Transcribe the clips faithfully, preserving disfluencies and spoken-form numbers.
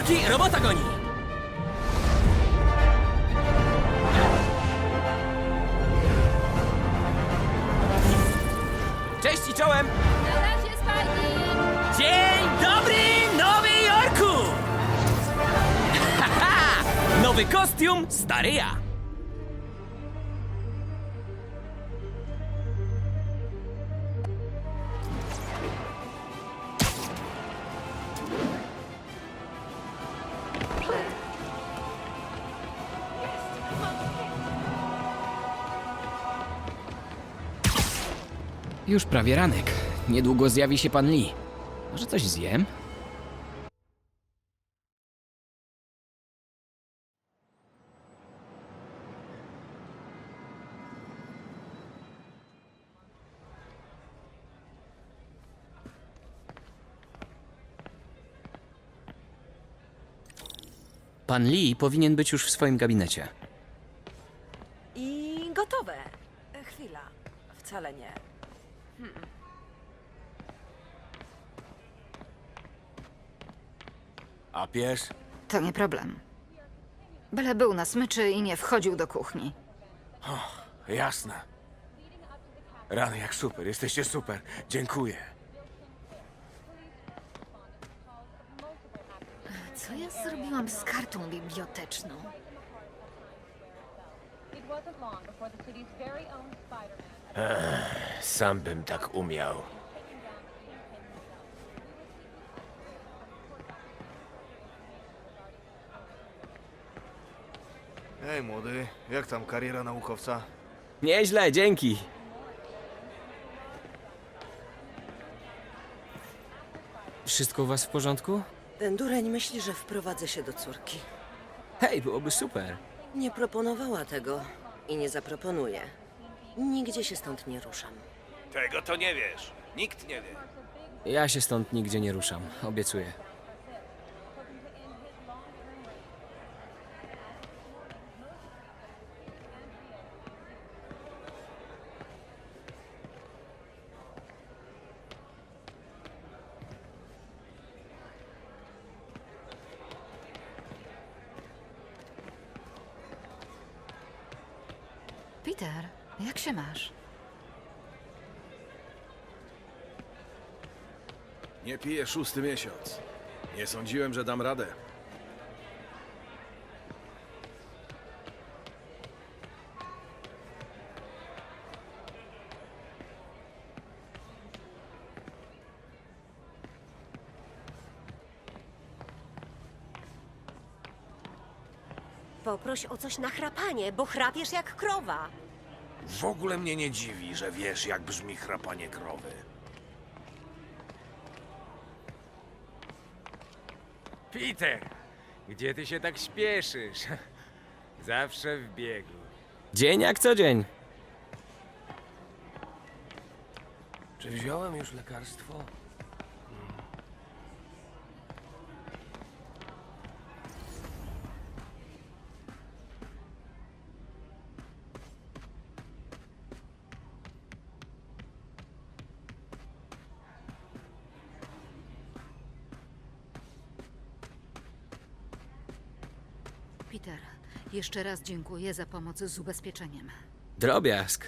Chłopaki, robota goni! Cześć i czołem! Na razie, Spidey! Dzień dobry, Nowy Jorku! Haha! Nowy kostium, stary ja! Już prawie ranek. Niedługo zjawi się pan Lee. Może coś zjem? Pan Lee powinien być już w swoim gabinecie. I gotowe. Chwila. Wcale nie. A pies? To nie problem. Byle był na smyczy i nie wchodził do kuchni. Jasne. Rany jak super, jesteście super. Dziękuję. Co ja zrobiłam z kartą biblioteczną? It wasn't long before the city's very own Spider-Man Sam bym tak umiał. Hej młody, jak tam kariera naukowca? Nieźle, dzięki. Wszystko u was w porządku? Ten dureń myśli, że wprowadzę się do córki. Hej, byłoby super. Nie proponowała tego i nie zaproponuje. Nigdzie się stąd nie ruszam. Tego to nie wiesz. Nikt nie wie. Ja się stąd nigdzie nie ruszam, obiecuję. Peter, jak się masz? Nie piję szósty miesiąc. Nie sądziłem, że dam radę. Poproś o coś na chrapanie, bo chrapiesz jak krowa. W ogóle mnie nie dziwi, że wiesz, jak brzmi chrapanie krowy. Peter, gdzie ty się tak śpieszysz? Zawsze w biegu. Dzień jak co dzień. Czy wziąłem już lekarstwo? Peter, jeszcze raz dziękuję za pomoc z ubezpieczeniem. Drobiazg.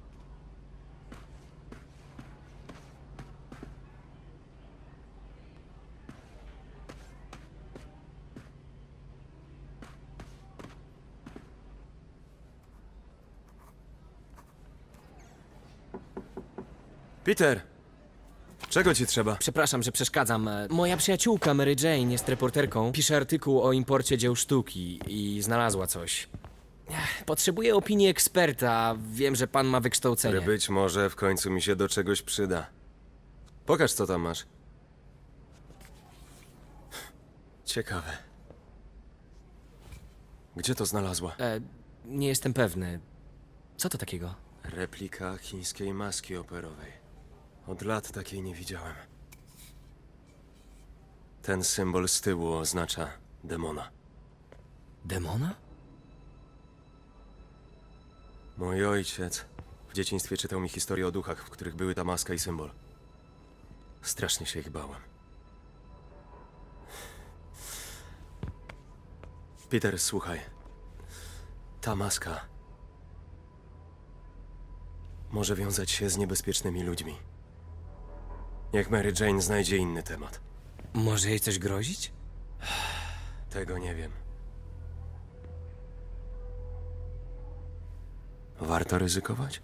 Peter! Czego ci trzeba? Przepraszam, że przeszkadzam. Moja przyjaciółka Mary Jane jest reporterką. Pisze artykuł o imporcie dzieł sztuki i znalazła coś. Ech, Potrzebuję opinii eksperta. Wiem, że pan ma wykształcenie. Który być może w końcu mi się do czegoś przyda. Pokaż, co tam masz. Ciekawe. Gdzie to znalazła? E, nie jestem pewny. Co to takiego? Replika chińskiej maski operowej. Od lat takiej nie widziałem. Ten symbol z tyłu oznacza demona. Demona? Mój ojciec w dzieciństwie czytał mi historię o duchach, w których były ta maska i symbol. Strasznie się ich bałem. Peter, słuchaj. Ta maska może wiązać się z niebezpiecznymi ludźmi. Niech Mary Jane znajdzie inny temat. Może jej coś grozić? Tego nie wiem. Warto ryzykować?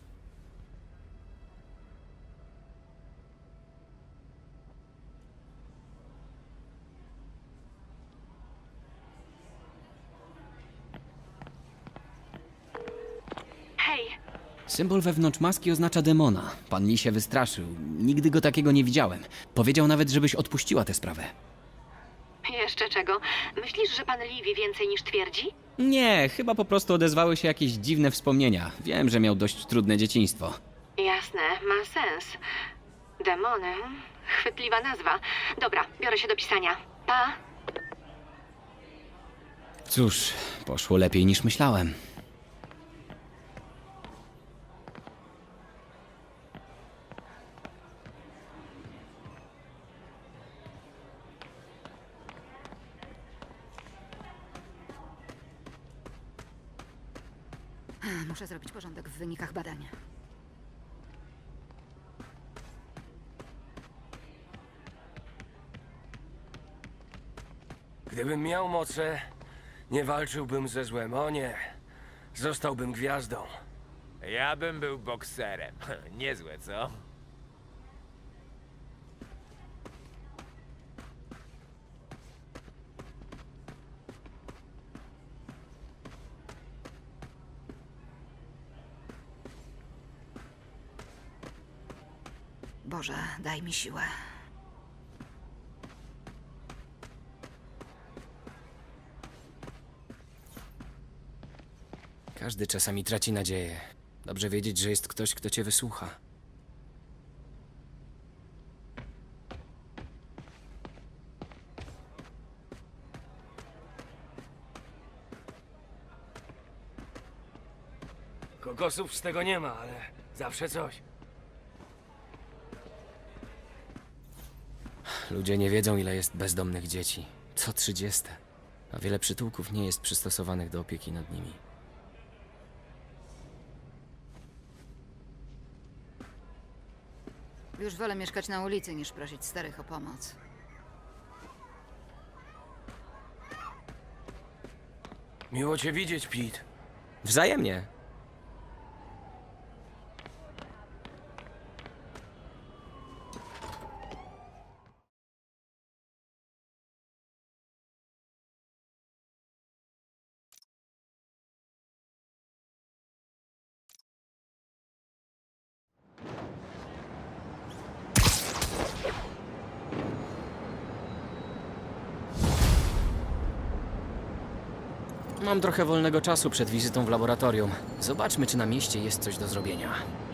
Hej, Symbol wewnątrz maski oznacza demona. Pan Lee się wystraszył. Nigdy go takiego nie widziałem. Powiedział nawet, żebyś odpuściła tę sprawę. jeszcze czego? Myślisz, że pan Lee wie więcej niż twierdzi? Nie, chyba po prostu odezwały się jakieś dziwne wspomnienia. Wiem, że miał dość trudne dzieciństwo. Jasne, ma sens. Demony. Chwytliwa nazwa. Dobra, biorę się do pisania. Pa! Cóż, poszło lepiej niż myślałem. Muszę zrobić porządek w wynikach badań. Gdybym miał moce, nie walczyłbym ze złem, o nie. Zostałbym gwiazdą. Ja bym był bokserem. Niezłe, co? Boże, daj mi siłę. Każdy czasami traci nadzieję. Dobrze wiedzieć, że jest ktoś, kto cię wysłucha. Kokosów z tego nie ma, ale zawsze coś. Ludzie nie wiedzą, ile jest bezdomnych dzieci. Co trzydzieste. A wiele przytułków nie jest przystosowanych do opieki nad nimi. Już wolę mieszkać na ulicy, niż prosić starych o pomoc. Miło cię widzieć, Pete. Wzajemnie. Mam trochę wolnego czasu przed wizytą w laboratorium. Zobaczmy, czy na mieście jest coś do zrobienia.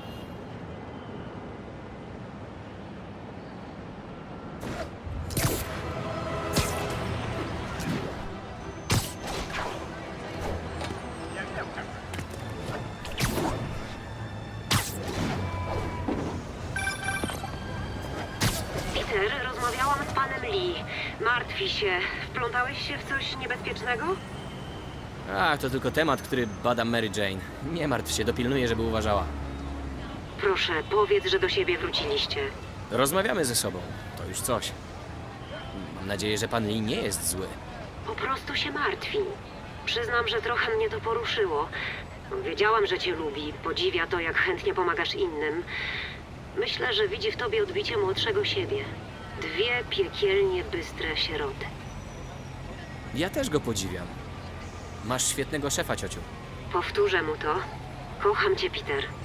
Peter, rozmawiałam z panem Lee. Martwi się. Wplątałeś się w coś niebezpiecznego? A, to tylko temat, który bada Mary Jane. Nie martw się, dopilnuję, żeby uważała. Proszę, powiedz, że do siebie wróciliście. Rozmawiamy ze sobą. To już coś. Mam nadzieję, że pan Lee nie jest zły. Po prostu się martwi. Przyznam, że trochę mnie to poruszyło. Wiedziałam, że cię lubi, podziwia to, jak chętnie pomagasz innym. Myślę, że widzi w tobie odbicie młodszego siebie. Dwie piekielnie bystre sieroty. Ja też go podziwiam. Masz świetnego szefa, ciociu. Powtórzę mu to. Kocham cię, Peter.